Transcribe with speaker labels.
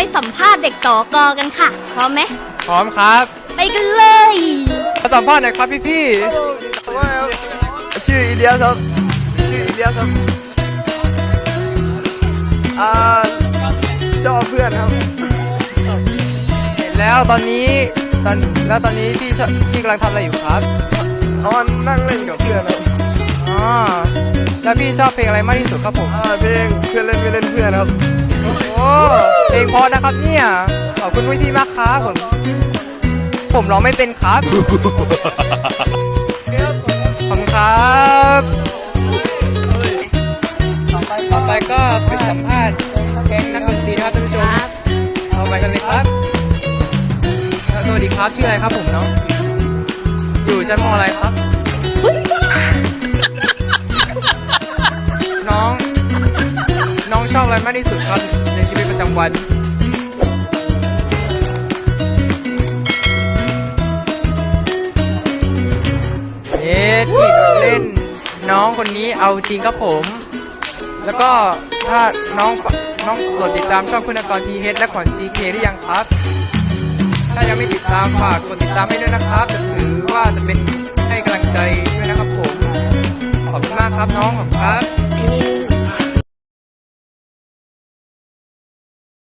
Speaker 1: สัมภาษณ์เด็กสกกันค่ะพร้อมไหม
Speaker 2: พร้อมครับ
Speaker 1: ไปกันเลย
Speaker 2: มาสัมภาษณ์หน่อยครับพี่
Speaker 3: ชื่ออีเลียสครับชื่ออีเลียสครับชอบเพื่อนครับ
Speaker 2: ๆเห็นแล้วตอนนี้พี่กำลังทำอะไรอยู่ครับ
Speaker 3: นั่งเล่นกับเพื่อนครับ
Speaker 2: อ๋อแล้วพี่ชอบเพลงอะไรมากที่สุดครับผม
Speaker 3: เพลงเพื่อนเล่นไม่เล่นเพื่อนครับ
Speaker 2: โอ้เพลงเพอนะครับเนี่ยขอบคุณพี่มากครับผมร้องไม่เป็นครับขอบคุณครับต่อไปก็ไปสัมภาษณ์แก๊งนักดนตรีนะครับท่านผู้ชมเอาไปกันเลยครับสวัสดีครับชื่ออะไรครับผมน้องอยู่ชั้นม.อะไรครับน้องชอบอะไรมากที่สุดครับในชีวิตประจำวันที่เล่นน้องคนนี้เอาจริงครับผม แล้วก็ถ้าน้องกดติดตามช่องคุณกร PH และขวัญ CK หรือยังครับ ถ้ายังไม่ติดตามฝากกดติดตามให้ด้วยนะครับจะถือว่าจะเป็นให้กำลังใจด้วยนะครับผมขอบคุณมากครับน้องขอบคุณครับ